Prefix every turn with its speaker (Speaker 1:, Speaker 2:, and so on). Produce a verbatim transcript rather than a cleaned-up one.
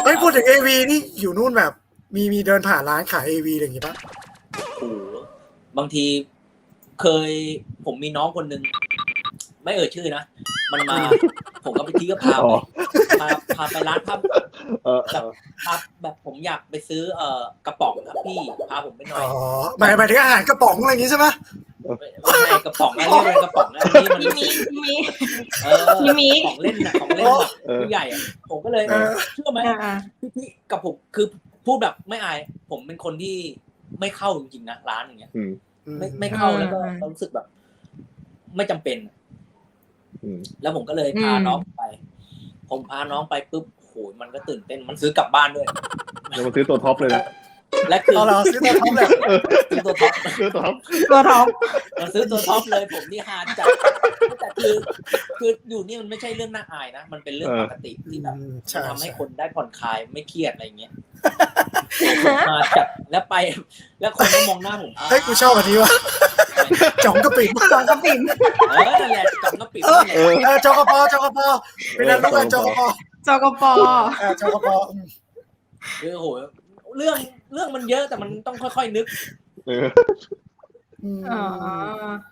Speaker 1: เฮ้ยพูดถึงเอวีนี่อยู่นู่นแบบ มีมีเดินผ่านร้านขายเอวีอะไรอย่างงี้ปะ
Speaker 2: โอ้บางทีเคยผมมีน้องคนหนึ่งไม่เอ่ยชื่อนะมันมาผมก็ไปที่ก็พาไปพาพาไปร้านภาพแบบพาแบบผมอยากไปซื้อเอ่อกระป๋องครับพี่พาผมไปหน่อย
Speaker 1: อ๋อหมายหมายถึงอาหารกระป๋องอะไรอย่างงี้ใช่ปะ
Speaker 2: ไม่ใช่กระป๋องนะเรียกเป็นกระป๋องนะอันนี้มัน
Speaker 3: มีมี
Speaker 2: เออของเล่นนะของเล่นแบบผู้ใหญ่อะผมก็เลยเชื่อไหมพี่กับผมคือพูดแบบไม่อายผมเป็นคนที่ไม่เข้าจริงๆนะร้านอย่างเงี้ยไม่ไม่เข้าแล้วก็รู้สึกแบบ ไม่จำเป็นแล้วผมก็เลยพาน้องไปผมพาน้องไปปุ๊บโหมันก็ตื่นเต้นมันซื้อกลับบ้านด้วย
Speaker 4: แล้วมันซื้อตัวท็อปเลยนะ
Speaker 2: และคือ
Speaker 1: เราซื้อตัวท็อปเลย
Speaker 2: ซื้อตัวท็อป
Speaker 4: ซื้อตัวท็อป
Speaker 3: ตัวท็อป
Speaker 2: เราซื้อตัวท็อปเลยผมนี่ฮาจัดแต่คือคืออยู่นี่มันไม่ใช่เรื่องน่าอายนะมันเป็นเรื่องปกติที่แบบทำให้คนได้ผ่อนคลายไม่เครียดอะไรเงี้ยมาจัดแล้วไปแล้วคนก็มองหน้าผม
Speaker 1: เฮ้ยกูชอบอันนี้ว่ะจ่องกระปิ่ม
Speaker 3: จ่องกระปิ่ม
Speaker 2: เออนั่นแหละจ่องกระปิ่ม
Speaker 1: เออจกปจกปเป็นนักลูกกันจกป
Speaker 3: จกป
Speaker 1: เออจกป
Speaker 2: คือโหเรื่องเรื่องมันเยอะแต่มันต้องค่อยๆนึก
Speaker 3: อ๋อ